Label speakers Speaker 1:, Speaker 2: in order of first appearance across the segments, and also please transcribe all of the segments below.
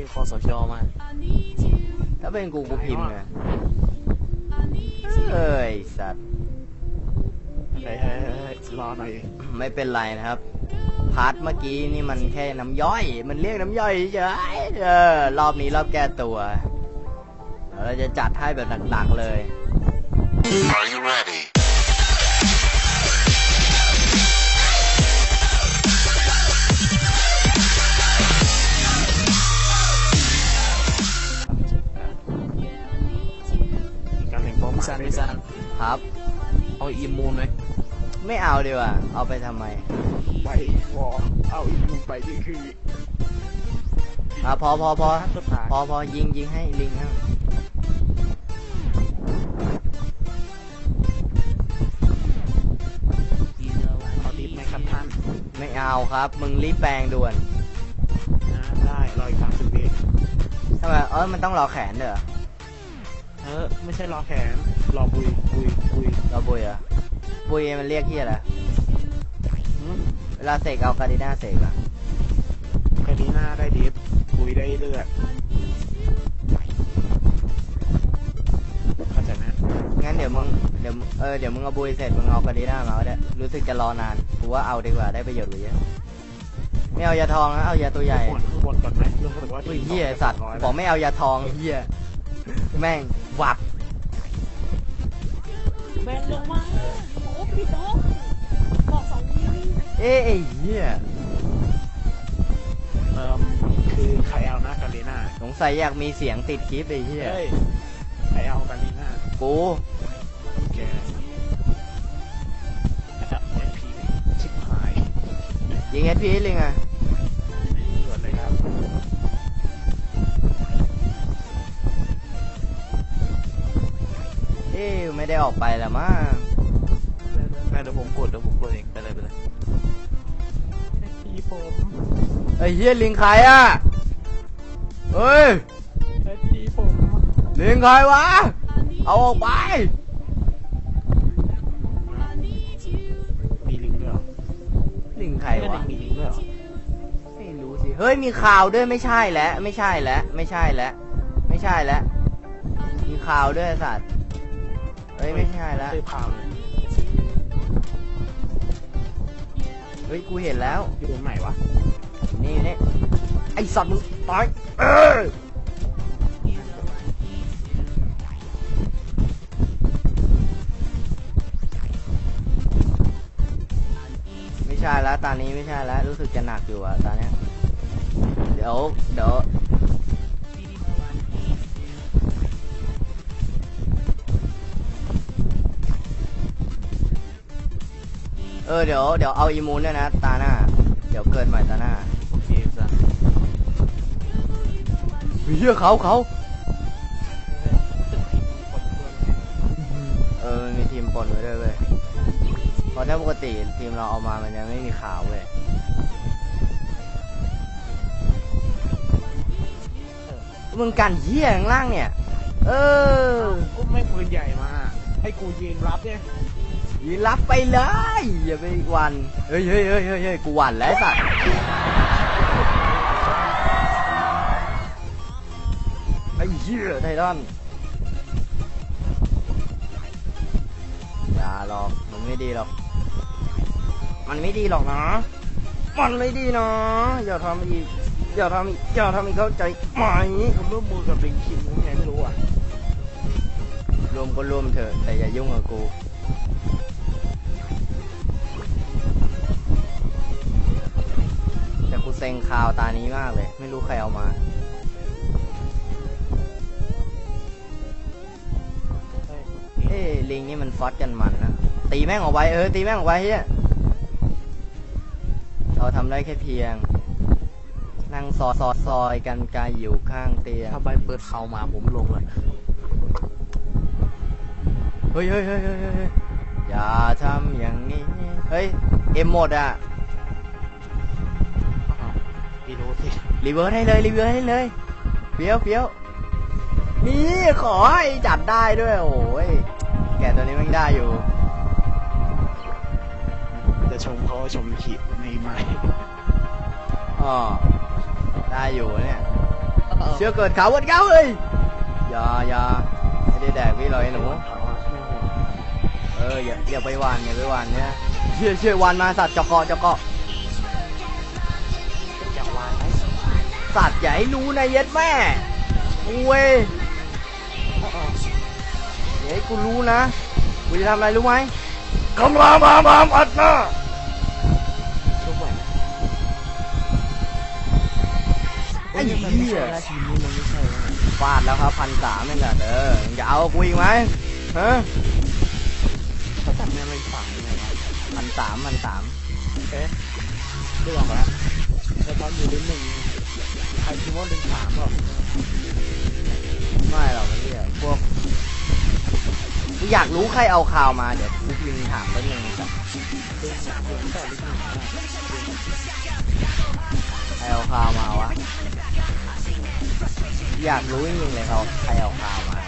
Speaker 1: คสชมา
Speaker 2: ถ้าเป็นกูพิมพ์ไงเอ้ยสัตว์
Speaker 3: เฮ้ยรอหน่อย
Speaker 2: ไม่เป็นไรนะครับพาร์ทเมื่อกี้นี่มันแค่น้ำย่อยมันเรียกน้ำย่อยเฉยรอบนี้รอบแก้ตัวเราจะจัดให้แบบหนักๆเลย
Speaker 4: Are you ready?
Speaker 3: การเล่นบอม
Speaker 1: พี่ซัน
Speaker 2: ครับ
Speaker 1: เอาอิมมูนไหม
Speaker 2: ไม่เอาดีกว่าเอาไปทำไม
Speaker 3: ไปวอเอาอีกมุมไปนี่คือ
Speaker 2: พอ
Speaker 3: สุดท้าย
Speaker 2: พอยิงให้ลิงฮะ
Speaker 3: เอาดิฟไหมครับท่าน
Speaker 2: ไม่เอาครับมึงรีบแปลงด่วน
Speaker 3: ได้รออีก30 วิ
Speaker 2: ทำไมมันต้องรอแขนเด้อ
Speaker 3: ไม่ใช่รอแขนรอบุย
Speaker 2: รอบุยเหรอบุยมันเรียกเฮียอะไรเวลาเสกเอาการดิน่าเสกอะ
Speaker 3: คดีหน้าได้ดิฟบุยได้เลือดเข้าใจไหม
Speaker 2: งั้นเดี๋ยวมึงเอาบุยเสร็จมึงเอาการดิน่ามาก็ได้รู้สึกจะรอนานกูว่าเอาดีกว่าได้ประโยชน์กว่าเยอะไม่เอายาทองนะเอายาตัวใหญ่
Speaker 3: ข้างบนก่อนไหมเรื่องว่า
Speaker 2: อุ้ยเฮียสัตว์บอกไม่เอายาทองเฮียแม่งวับ
Speaker 5: แบนลงมาโอ้พี่น้องบอก2 วิ
Speaker 2: ไอ้เฮีย
Speaker 3: คือใครเอาหน้าคารีน่า
Speaker 2: สงสัยอยากมีเสียงติดคลิปไอ้เฮีย
Speaker 3: เฮ้ยใครเอาคารีน่า
Speaker 2: กู
Speaker 3: แกนะครับเอ็นพีชิบหาย
Speaker 2: ยิงเอสพีลิงอะ
Speaker 3: ด่วนเลยครับ
Speaker 2: ไม่ได้ออกไปแล้วมั้ง
Speaker 1: แม่เดี๋ยวผมกดเองไปเลย
Speaker 3: ทีผม
Speaker 2: ไอ้เฮียลิงใครอะเฮ้ย
Speaker 3: ทีผม
Speaker 2: ลิงใครวะเอาออกไป
Speaker 3: มีลิงด้วยเหรอ
Speaker 2: ลิงใคร
Speaker 3: ไม่
Speaker 2: วะ
Speaker 3: ได้มีลิงด้วยเหรอ
Speaker 2: ไม่รู้สิเฮ้ยมีข่าวด้วยไม่ใช่แล้วมีข่าวด้วยไอ้สัตว์เฮ้ยไม่ใช่แล้ว
Speaker 3: เคยพาเลย
Speaker 2: เฮ้ยกูเห็นแล้ว
Speaker 3: อยู่ตรงไหนวะ
Speaker 2: นี่ไอสัตว์มึงตายไม่ใช่แล้วตอนนี้ไม่ใช่แล้วรู้สึกจะหนักอยู่อะตอนเนี้ยเดี๋ยวเดี๋ยวเอาอีมูนด้วยนะตาหน้าเดี๋ยวเกิดใหม่ตาหน้า
Speaker 1: โอเคซัน
Speaker 2: เฮียเขามีทีมปนไว้ด้วยเว้ยเพราะถ้าปกติทีมเราเอามามันยังไม่มีข่าวเว้ยมึงกันเฮียข้างล่างเนี่ย
Speaker 3: กูไม่ปืนใหญ่มาให้กูยืนรับเนี่ย
Speaker 2: ยืนรับไปเลยอย่าไปหวันเฮ้ยกูหวันแล้วสัตว์ไอ้เหี้ยไททันอย่าหรอกมันไม่ดีหรอกมันไม่ดีหรอกนะมันไม่ดีนะอย่าทำอีกเข้าใจไหม
Speaker 3: ผมร่วมมือกับลิงคิงผมไงไม่รู้อ่ะ
Speaker 2: รวมก็รวมเถอะแต่อย่ายุ่งกับกูแต่กูเซ็งข่าวตานี้มากเลยไม่รู้ใครเอามาลิงนี่มันฟอสกันมันนะตีแม่งออกไปตีแม่งออกไปเฮียเราทำได้แค่เพียงนั่งซอยกันกายอยู่ข้างเตียง
Speaker 1: ถ้าใบเปิดเขามาผมลงเลย
Speaker 2: เฮ้ยอย่าทำอย่างนี้เฮ้ยเอ็มหมดอ่ะ
Speaker 3: พี่รู้สิ
Speaker 2: รีเวิร์สให้เลยเฟี้ยวนี่ขอให้จับได้ด้วยโอ้ยแกตัวนี้มันได้อยู่
Speaker 3: จะชมเขาชมขีดในไม้
Speaker 2: อ๋อได้อยู่เนี่ยเชื่อเกิดเขาวันเก้าเลยอย่าไม่ได้แดกพี่เลยหนู
Speaker 3: เขาอะไม่ห่วง
Speaker 2: อย่าไปหวานเนี่ยเชื่อวานมาสัตว์เจาะเกาะ
Speaker 3: อยากวางไหม
Speaker 2: สัตว์อย่าให้รู้นะเย็ดแม่เว้ยอย่าให้กูรู้นะกูจะทำอะไรรู้ไหมกำลังมาอัดหน้า
Speaker 3: ทุกวัน
Speaker 2: ไอ้เหี้ย
Speaker 3: ทีมนี้มันไม่ใช่แล้ว
Speaker 2: ฟาดแล้วครับ1,300นี่แหละอย่าเอากูอีกไหมฮะ
Speaker 3: เขาจัดแนวไปฝังยังไงวะ
Speaker 2: 1,300
Speaker 3: เอ๊ะเรื่องแล้วแล้วตอนอยู่ลิ้นหนึ่งใครคิดว่าลิ้นสามหรอ
Speaker 2: ไม่หรอกไอ้เหี้ยพวกกูอยากรู้ใครเอาข่าวมาเดี๋ยวกูพิมพ์ถามแป๊บนึงครับ
Speaker 3: ลิ้นแต่ลิ้นหนึ่ง
Speaker 2: ใครเอาข่าวมาวะอยากรู้จริงๆเลยเขาใครเอาข่าวมา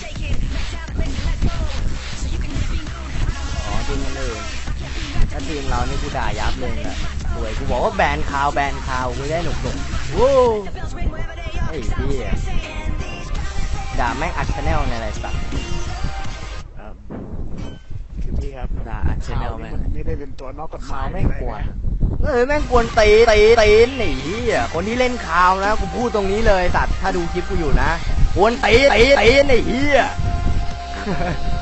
Speaker 2: อ๋อทีมมันอื่นถ้าทีมเรานี่กูด่ายับเลยแหละสวยกูบอกว่าแบนข่าวกูได้หนุกโว้ไอ้พี่ด่าแม่งอัดชาแนลในอะไรสัก
Speaker 3: ครับคือพี่ครับ
Speaker 1: ด่าอัดชแนลแม่ง
Speaker 3: ไม่ได้เป็นตัวนอกกฎหมายแม่งกวน
Speaker 2: แม่งกวนตีนหนีคนที่เล่นข่าวนะกูพูดตรงนี้เลยสัตว์ถ้าดูคลิปกูอยู่นะกวนตีนไอ้เหี้ย